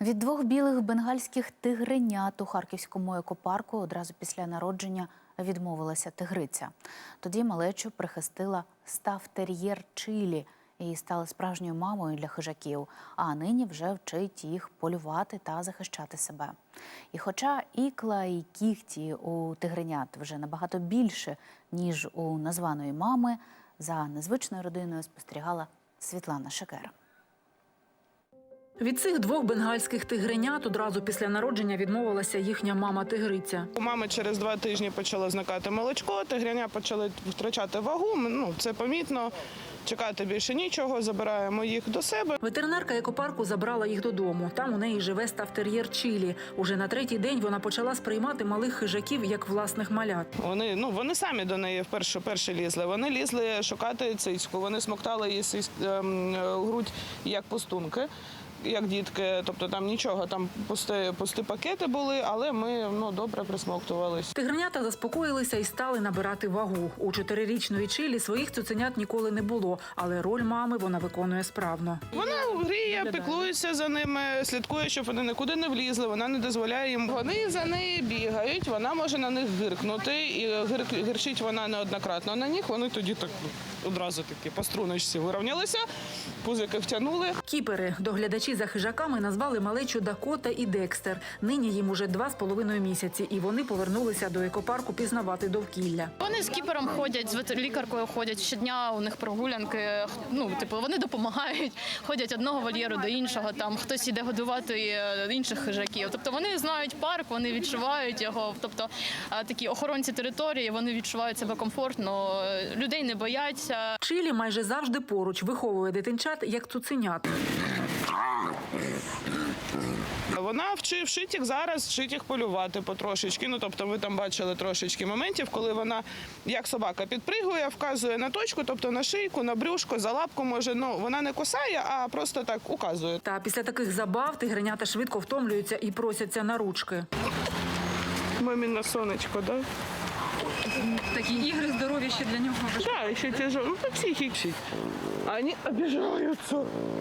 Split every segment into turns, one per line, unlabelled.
Від двох білих бенгальських тигренят у харківському екопарку одразу після народження відмовилася тигриця. Тоді малечу прихистила стаф-тер'єр Чилі і стала справжньою мамою для хижаків, а нині вже вчить їх полювати та захищати себе. І хоча ікла і кігті у тигренят вже набагато більше, ніж у названої мами, за незвичною родиною спостерігала Світлана Шекера.
Від цих двох бенгальських тигренят одразу після народження відмовилася їхня мама-тигриця.
У мами через 2 тижні почало зникати молочко, тигреня почали втрачати вагу, це помітно, чекати більше нічого, забираємо їх до себе.
Ветеринарка екопарку забрала їх додому. Там у неї живе стаф-тер'єр Чилі. Уже на 3-й день вона почала сприймати малих хижаків як власних малят.
Вони самі до неї перші лізли. Вони лізли шукати цицьку, вони смоктали її грудь як пустунки, як дітки, тобто там нічого, там пусті пакети були, але ми добре присмоктувалися.
Тигренята заспокоїлися і стали набирати вагу. У 4-річної Чилі своїх цуценят ніколи не було, але роль мами вона виконує справно.
Вона гріє, піклується за ними, слідкує, щоб вони нікуди не влізли, вона не дозволяє їм. Вони за нею бігають, вона може на них гиркнути, і гирчить вона неоднократно на них, вони тоді так одразу такі по струночці вирівнялися, пузики втягнули.
Кіпери, доглядачі за хижаками, назвали малечу Дакота і Декстер. Нині їм уже 2,5 місяці, і вони повернулися до екопарку пізнавати довкілля.
Вони з кіпером ходять, з лікаркою ходять щодня, у них прогулянки, вони допомагають, ходять одного вольєру до іншого, там хтось іде годувати інших хижаків. Тобто вони знають парк, вони відчувають його, тобто такі охоронці території, вони відчувають себе комфортно, людей не бояться.
Чилі майже завжди поруч, виховує дитинчат як цуценят.
Вона вчить їх зараз, вчить їх полювати потрошечки. Тобто ви там бачили трошечки моментів, коли вона, як собака, підпригує, вказує на точку, тобто на шийку, на брюшко, за лапку може. Вона не кусає, а просто так указує.
Та після таких забав тигренята швидко втомлюються і просяться на ручки.
Мамине сонечко, так? Да?
Такі ігри здорові ще для нього.
Так, ще тяжело. По психіці. Вони обіжаються.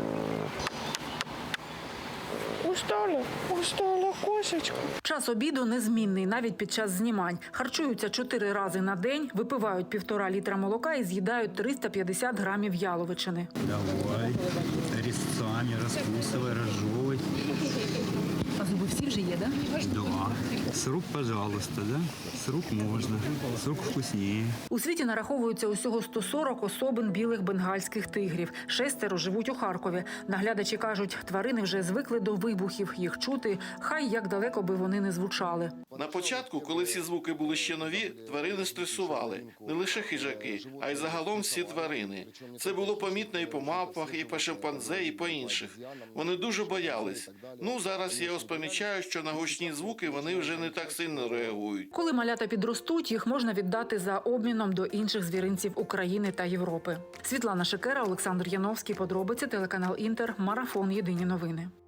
Устала кошечка.
Час обіду незмінний, навіть під час знімань. Харчуються 4 рази на день, випивають 1,5 літра молока і з'їдають 350 грамів яловичини.
Давай, резцами розкусывай, розжовуй.
А зуби всі вже є, так?
Да. С рук, пожалуйста, да? С рук можна, с рук вкусніше.
У світі нараховується усього 140 особин білих бенгальських тигрів. 6 живуть у Харкові. Наглядачі кажуть, тварини вже звикли до вибухів, їх чути, хай як далеко би вони не звучали.
На початку, коли ці звуки були ще нові, тварини стресували. Не лише хижаки, а й загалом всі тварини. Це було помітно і по мавпах, і по шимпанзе, і по інших. Вони дуже боялись. Зараз я помічаю, що на гучні звуки вони вже не так сильно реагують.
Коли малята підростуть, їх можна віддати за обміном до інших звіринців України та Європи. Світлана Шекера, Олександр Яновський. Подробиці, телеканал Інтер. Марафон. Єдині новини.